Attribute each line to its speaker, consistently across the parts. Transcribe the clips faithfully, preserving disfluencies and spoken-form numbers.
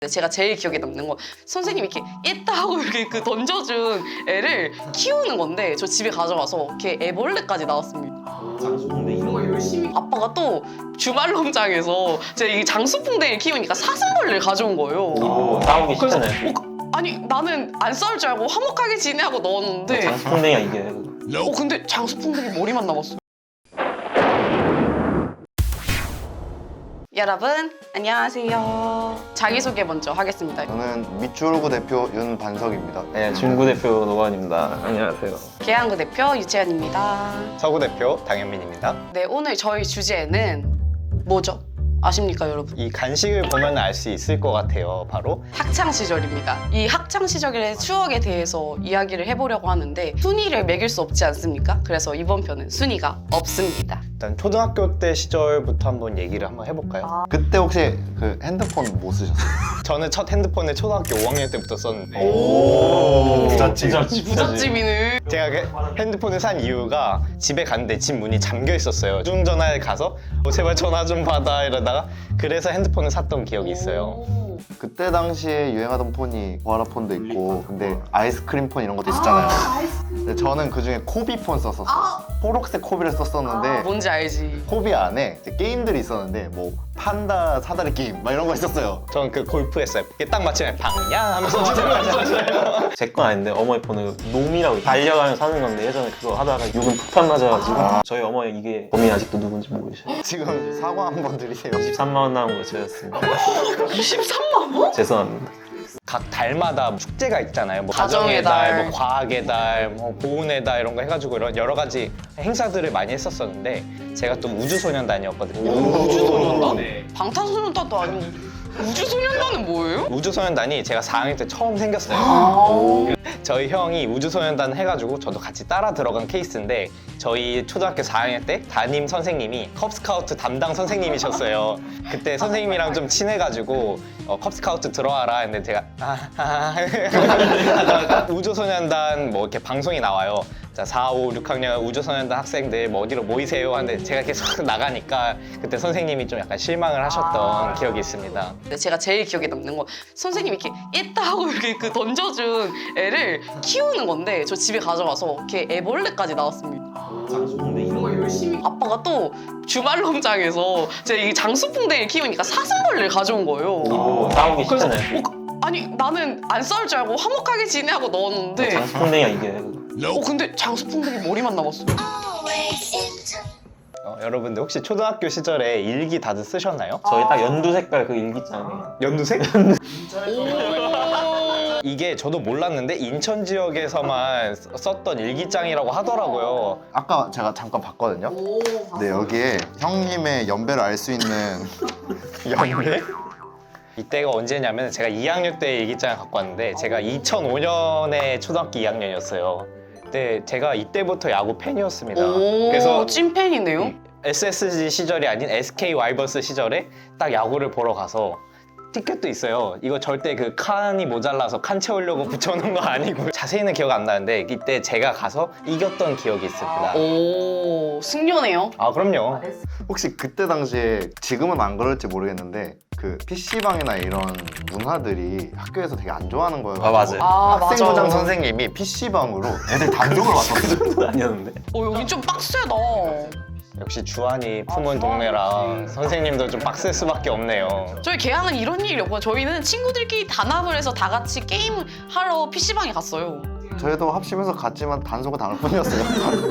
Speaker 1: 제가 제일 기억에 남는 건 선생님이 이렇게 있다 하고 이렇게 그 던져준 애를 키우는 건데 저 집에 가져와서 이렇게 애벌레까지 나왔습니다.
Speaker 2: 근데 이런 걸 열심히
Speaker 1: 아빠가 또 주말 농장에서 제가 이 장수풍뎅이를 키우니까 사슴벌레를 가져온 거예요.
Speaker 2: 어, 싸우기
Speaker 1: 그래서
Speaker 2: 쉽잖아요.
Speaker 1: 어, 아니 나는 안 싸울 줄 알고 화목하게 지내하고 넣었는데
Speaker 2: 장수풍뎅이가 이겨요.
Speaker 1: 어 근데 장수풍뎅이 머리만 남았어. 여러분 안녕하세요. 자기소개 먼저 하겠습니다.
Speaker 3: 저는 밑주로구 대표 윤반석입니다.
Speaker 2: 네, 중구 대표 노관입니다. 안녕하세요.
Speaker 1: 계양구 대표 유채연입니다.
Speaker 4: 서구 대표 당현민입니다.
Speaker 1: 네, 오늘 저희 주제는 뭐죠? 아십니까 여러분?
Speaker 4: 이 간식을 보면 알 수 있을 것 같아요. 바로
Speaker 1: 학창 시절입니다. 이 학창 시절의 추억에 대해서 이야기를 해보려고 하는데 순위를 매길 수 없지 않습니까? 그래서 이번 편은 순위가 없습니다.
Speaker 4: 일단 초등학교 때 시절부터 한번 얘기를 한번 해볼까요?
Speaker 3: 그때 혹시 그 핸드폰 뭐 쓰셨어요?
Speaker 4: 저는 첫 핸드폰을 초등학교 오 학년 때부터 썼는데
Speaker 1: 오,
Speaker 3: 부잣집.
Speaker 1: 부잣집이네.
Speaker 4: 제가 그 핸드폰을 산 이유가 집에 갔는데 집 문이 잠겨 있었어요. 휴대전화에 가서 어, 제발 전화 좀 받아 이러다가 그래서 핸드폰을 샀던 기억이 있어요.
Speaker 1: 오.
Speaker 3: 그때 당시에 유행하던 폰이 보아라폰도 있고 근데 아이스크림 폰 이런 것도 있었잖아요. 근데 저는 그중에 코비폰 썼었어요. 초록색 코비를 썼었는데
Speaker 1: 뭔지 알지?
Speaker 3: 코비 안에 이제 게임들이 있었는데 뭐 판다 사다리 게임 막 이런 거 있었어요.
Speaker 4: 저는 그 골프 했어요. 이게 딱 맞추면 방야 하면서 들어가잖아요.
Speaker 2: 제 건 아닌데 어머니 폰을 놈이라고 달려가면서 사는 건데 예전에 그거 하다가 육은 폭탄 맞아가지고 저희 어머니 이게 범인 아직도 누군지 모르셔요.
Speaker 3: 지금 사과 한번 드리세요.
Speaker 2: 이십삼만 원 나온 거 저였습니다.
Speaker 1: 이십삼만 원?
Speaker 2: 죄송합니다.
Speaker 4: 각 달마다 축제가 있잖아요. 뭐
Speaker 1: 가정의
Speaker 4: 가정의
Speaker 1: 달.
Speaker 4: 달, 뭐 과학의 달, 뭐 보온의 달 이런 거 해가지고 이런 여러 가지 행사들을 많이 했었었는데 제가 또 우주소년단이었거든요.
Speaker 1: 우주소년단?
Speaker 4: 네.
Speaker 1: 방탄소년단도 아니고 우주소년단은 뭐예요?
Speaker 4: 우주소년단이 제가 사 학년 때 처음 생겼어요.
Speaker 1: 아.
Speaker 4: 저희 형이 우주소년단 해가지고 저도 같이 따라 들어간 케이스인데 저희 초등학교 사 학년 때 담임 선생님이 컵스카우트 담당 선생님이셨어요. 그때 선생님이랑 좀 친해가지고 어, 컵스카우트 들어와라 했는데 제가 아, 아, 하다가 우주소년단 뭐 이렇게 방송이 나와요. 자, 사, 오, 육 학년 우주소년단 학생들 뭐 어디로 모이세요 하는데 제가 계속 나가니까 그때 선생님이 좀 약간 실망을 하셨던 기억이 있습니다.
Speaker 1: 근데 제가 제일 기억에 남는 건 선생님이 이렇게 있다 하고 이렇게 그 던져준 애를 키우는 건데 저 집에 가져와서 이렇게 애벌레까지 나왔습니다.
Speaker 2: 근데 이런 걸 열심히
Speaker 1: 아빠가 또 주말 농장에서 제가 이 장수풍뎅이를 키우니까 사슴벌레를 가져온 거예요.
Speaker 2: 어, 싸우기
Speaker 1: 그래서
Speaker 2: 쉽잖아요.
Speaker 1: 어, 아니 나는 안 싸울 줄 알고 화목하게 지내하고 넣었는데
Speaker 2: 장수풍뎅이가 이겨요.
Speaker 1: 어 근데 장수풍뎅이 머리만 남았어.
Speaker 4: 어, 여러분들 혹시 초등학교 시절에 일기 다들 쓰셨나요?
Speaker 2: 저희 딱 연두 색깔 그 일기장이에요.
Speaker 4: 연두색?
Speaker 1: 오.
Speaker 4: 이게 저도 몰랐는데 인천 지역에서만 쓰- 썼던 일기장이라고 하더라고요.
Speaker 3: 아까 제가 잠깐 봤거든요. 네, 여기에 형님의 연배를 알 수 있는
Speaker 4: 연배? 이때가 언제냐면 제가 이 학년 때 일기장을 갖고 왔는데 제가 이천오 년에 초등학교 이 학년이었어요. 근데 제가 이때부터 야구 팬이었습니다.
Speaker 1: 오.
Speaker 4: 그래서
Speaker 1: 찐팬이네요.
Speaker 4: 에스에스지 시절이 아닌 에스케이 와이번스 시절에 딱 야구를 보러 가서 티켓도 있어요. 이거 절대 그 칸이 모자라서 칸 채우려고 붙여놓은 거 아니고 자세히는 기억 안 나는데 이때 제가 가서 이겼던 기억이 있습니다.
Speaker 1: 오 승려네요.
Speaker 4: 아 그럼요.
Speaker 3: 혹시 그때 당시에 지금은 안 그럴지 모르겠는데 그 피시방이나 이런 문화들이 학교에서 되게 안 좋아하는 거예요.
Speaker 4: 아, 맞아요.
Speaker 1: 아
Speaker 3: 학생부장
Speaker 1: 맞아.
Speaker 3: 선생님이 피시방으로 애들 단속을 왔었어요.
Speaker 2: 그건 아니었는데.
Speaker 1: 어 여기 좀 빡세다.
Speaker 4: 역시 주한이 품은 동네라 선생님도 좀 빡셀 수밖에 없네요.
Speaker 1: 저희 개항은 이런 일이 없고 저희는 친구들끼리 단합을 해서 다 같이 게임 하러 피시방에 갔어요.
Speaker 3: 저희도 합심해서 갔지만 단속을 당할 뿐이었어요.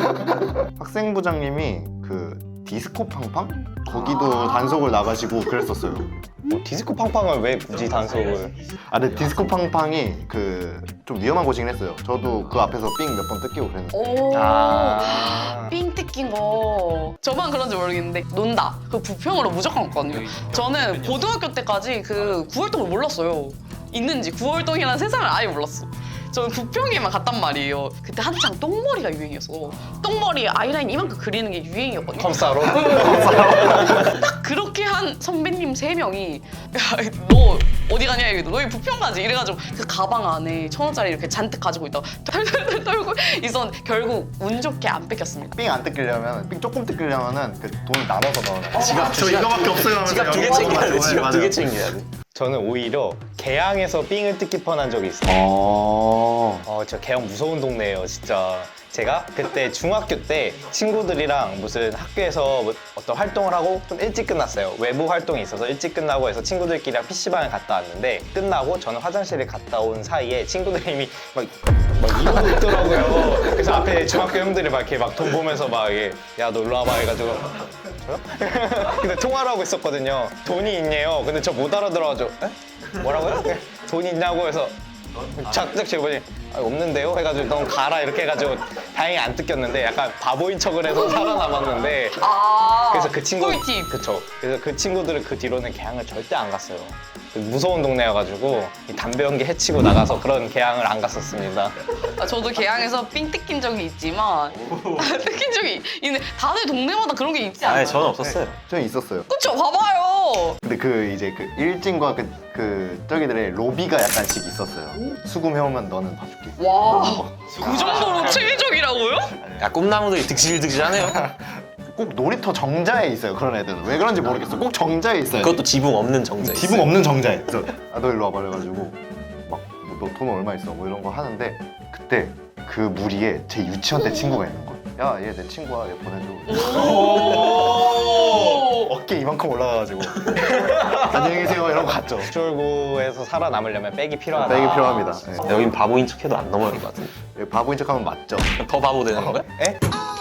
Speaker 3: 학생부장님이 그 디스코 팡팡? 거기도 단속을 나가시고 그랬었어요.
Speaker 4: 뭐 디스코 팡팡을 왜 굳이 단속을?
Speaker 3: 아, 근데 디스코 팡팡이 그 좀 위험한 곳이긴 했어요. 저도 그 앞에서 삥 몇 번 뜯기고 그랬는데.
Speaker 1: 오.
Speaker 4: 아.
Speaker 1: 삥 뜯긴 거 저만 그런지 모르겠는데 논다 그 부평으로 무조건 갔거든요. 저는 고등학교 때까지 그 구월동을 몰랐어요. 있는지 구월동이라는 세상을 아예 몰랐어. 저는 부평에만 갔단 말이에요. 그때 한창 똥머리가 유행이었어. 똥머리에 아이라인 이만큼 그리는 게 유행이었거든요.
Speaker 4: 컴사로?
Speaker 1: 딱 그렇게 한 선배님 세 명이 야, 너 어디 가냐 이래도 너희 부평 가지 이래가지고 그 가방 안에 천 원짜리 이렇게 잔뜩 가지고 있다가 털털털 떨고 있었는데 결국 운 좋게 안 뺏겼습니다.
Speaker 3: 삥 안 뜯기려면, 삥 조금 뜯기려면은 그 돈을 나눠서 넣어놔요.
Speaker 2: 지갑
Speaker 3: 저 이거밖에 없어요 하면서
Speaker 2: 지갑 두 개
Speaker 3: 여기
Speaker 2: 챙겨야 돼.
Speaker 3: 맞아요.
Speaker 2: 지갑 두 개
Speaker 3: 맞아요.
Speaker 2: 챙겨야 돼.
Speaker 4: 저는 오히려 개항에서 삥을 뜯기 뻔한 적이 있어요.
Speaker 3: 어.
Speaker 4: 어, 저 개항 무서운 동네예요, 진짜. 제가 그때 중학교 때 친구들이랑 무슨 학교에서 뭐 어떤 활동을 하고 좀 일찍 끝났어요. 외부 활동이 있어서 일찍 끝나고 해서 친구들끼리랑 피시방에 갔다 왔는데 끝나고 저는 화장실에 갔다 온 사이에 친구들이 이미 막, 막 이러고 있더라고요. 그래서 앞에 중학교 형들이 막 이렇게 막 돈 보면서 막 이게 야, 너 일로 와봐 해가지고 저요? 근데 통화를 하고 있었거든요. 돈이 있네요. 근데 저 못 알아들어가지고 에? 뭐라고요? 돈이 있냐고 해서 작작 제가 보니 아, 없는데요? 해가지고 넌 가라 이렇게 해가지고 다행히 안 뜯겼는데 약간 바보인 척을 해서 살아남았는데
Speaker 1: 아
Speaker 4: 그래서 그 친구
Speaker 1: 꿀팁.
Speaker 4: 그쵸. 그래서 그 친구들은 그 뒤로는 개항을 절대 안 갔어요. 무서운 동네여가지고 이 담배 연기 해치고 나가서 그런 개항을 안 갔었습니다.
Speaker 1: 아, 저도 개항에서 삥 뜯긴 적이 있지만 뜯긴 적이 있는데 다들 동네마다 그런 게 있지 않아요?
Speaker 2: 아니 저는 없었어요.
Speaker 3: 저는 있었어요.
Speaker 1: 그쵸 봐봐요.
Speaker 3: 근데 그 이제 그 일진과 그, 그 저기들의 로비가 약간씩 있었어요. 수금해오면 너는 봐줄게.
Speaker 1: 와 그 정도로 체계적이라고요?
Speaker 2: 야 꿈나무들이 득실득실하네요.
Speaker 3: 꼭 놀이터 정자에 있어요. 그런 애들은 왜 그런지 모르겠어. 꼭 정자에 있어요.
Speaker 2: 그것도 지붕 없는 정자.
Speaker 3: 기분 없는 정자에. 그래서 아, 너 일로 와봐 그래가지고 막 너 돈 얼마 있어 뭐 이런 거 하는데 그때 그 무리에 제 유치원 때 친구가 있는 거야. 야 얘 내 친구야 얘 보내줘. 어깨 이만큼 올라가가지고 안녕히 계세요 이러고 갔죠.
Speaker 4: 출구에서 살아남으려면 백이 필요하다.
Speaker 3: 백이 필요합니다. 네.
Speaker 2: 여긴 바보인 척해도 안 넘어갈 것 같은데.
Speaker 3: 바보인 척하면 맞죠.
Speaker 2: 더 바보 되는 거야?
Speaker 4: 에?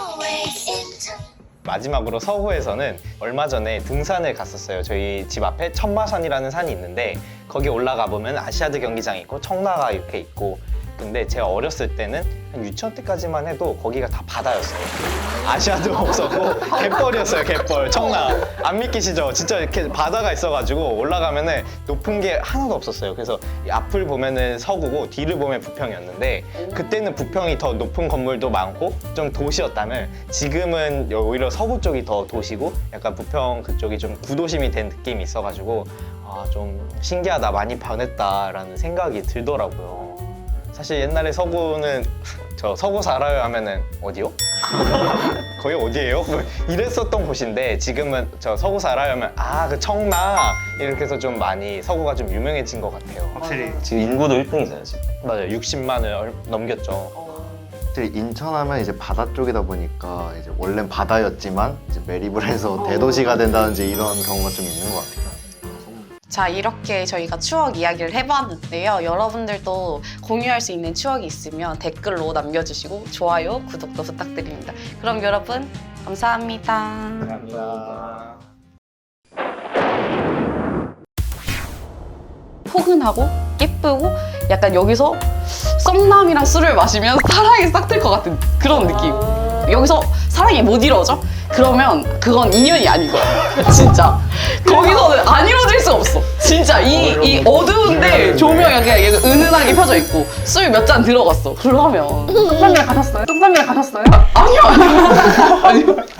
Speaker 4: 마지막으로 서구에서는 얼마 전에 등산을 갔었어요. 저희 집 앞에 천마산이라는 산이 있는데 거기 올라가 보면 아시아드 경기장이 있고 청라가 이렇게 있고 근데 제가 어렸을 때는 한 유치원 때까지만 해도 거기가 다 바다였어요. 아시아드가 없었고 갯벌이었어요. 갯벌 청라 안 믿기시죠? 진짜 이렇게 바다가 있어가지고 올라가면은 높은 게 하나도 없었어요. 그래서 이 앞을 보면은 서구고 뒤를 보면 부평이었는데 그때는 부평이 더 높은 건물도 많고 좀 도시였다면 지금은 오히려 서구 쪽이 더 도시고 약간 부평 그쪽이 좀 구도심이 된 느낌이 있어가지고 아, 좀 신기하다 많이 변했다라는 생각이 들더라고요. 사실 옛날에 서구는 저 서구 살아요 하면은 어디요? 거기 어디예요? 뭐 이랬었던 곳인데 지금은 저 서구 살아요 하면 아 그 청라 이렇게 해서 좀 많이 서구가 좀 유명해진 것 같아요.
Speaker 3: 확실히
Speaker 2: 지금 인구도 일 등이잖아요 지금.
Speaker 4: 맞아요. 육십만을 넘겼죠.
Speaker 3: 확실히 인천하면 이제 바다 쪽이다 보니까 이제 원래는 바다였지만 이제 매립을 해서 대도시가 된다든지 이런 경우가 좀 있는 것 같아요.
Speaker 1: 자 이렇게 저희가 추억 이야기를 해봤는데요. 여러분들도 공유할 수 있는 추억이 있으면 댓글로 남겨주시고 좋아요, 구독도 부탁드립니다. 그럼 여러분 감사합니다.
Speaker 4: 감사합니다.
Speaker 1: 포근하고 예쁘고 약간 여기서 썸남이랑 술을 마시면 사랑이 싹 틀 것 같은 그런 느낌. 여기서 사랑이 못 이루어져? 그러면 그건 인연이 아닌 거야. 진짜. 거기서는 안 이루어질 수가 없어. 진짜 이, 이 어두운데 조명이 그냥 은은하게 펴져 있고 술 몇 잔 들어갔어. 그러면
Speaker 5: 똥남이랑 가셨어요? 똥남이랑 가셨어요?
Speaker 1: 아니요. 아니요.